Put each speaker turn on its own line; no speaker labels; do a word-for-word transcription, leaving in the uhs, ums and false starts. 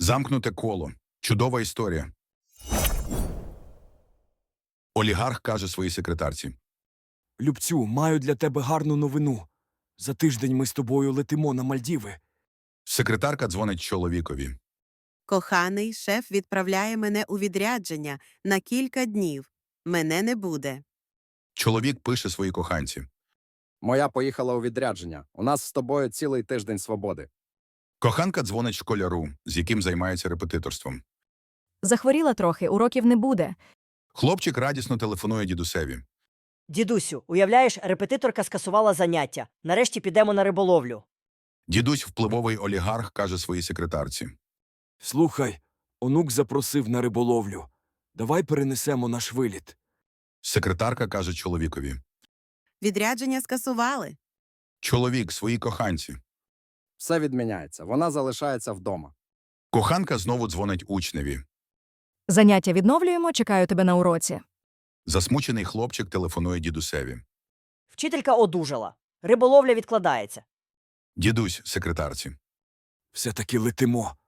Замкнуте коло. Чудова історія. Олігарх каже своїй секретарці.
Любцю, маю для тебе гарну новину. За тиждень ми з тобою летимо на Мальдіви.
Секретарка дзвонить чоловікові.
Коханий, шеф відправляє мене у відрядження на кілька днів. Мене не буде.
Чоловік пише своїй коханці.
Моя поїхала у відрядження. У нас з тобою цілий тиждень свободи.
Коханка дзвонить школяру, з яким займається репетиторством.
Захворіла трохи, уроків не буде.
Хлопчик радісно телефонує дідусеві.
Дідусю, уявляєш, репетиторка скасувала заняття. Нарешті підемо на риболовлю.
Дідусь, впливовий олігарх, каже своїй секретарці.
Слухай, онук запросив на риболовлю. Давай перенесемо наш виліт.
Секретарка каже чоловікові.
Відрядження скасували.
Чоловік своїй коханці.
Все відміняється. Вона залишається вдома.
Коханка знову дзвонить учневі.
Заняття відновлюємо, чекаю тебе на уроці.
Засмучений хлопчик телефонує дідусеві.
Вчителька одужала. Риболовля відкладається.
Дідусь секретарці.
Все-таки летимо.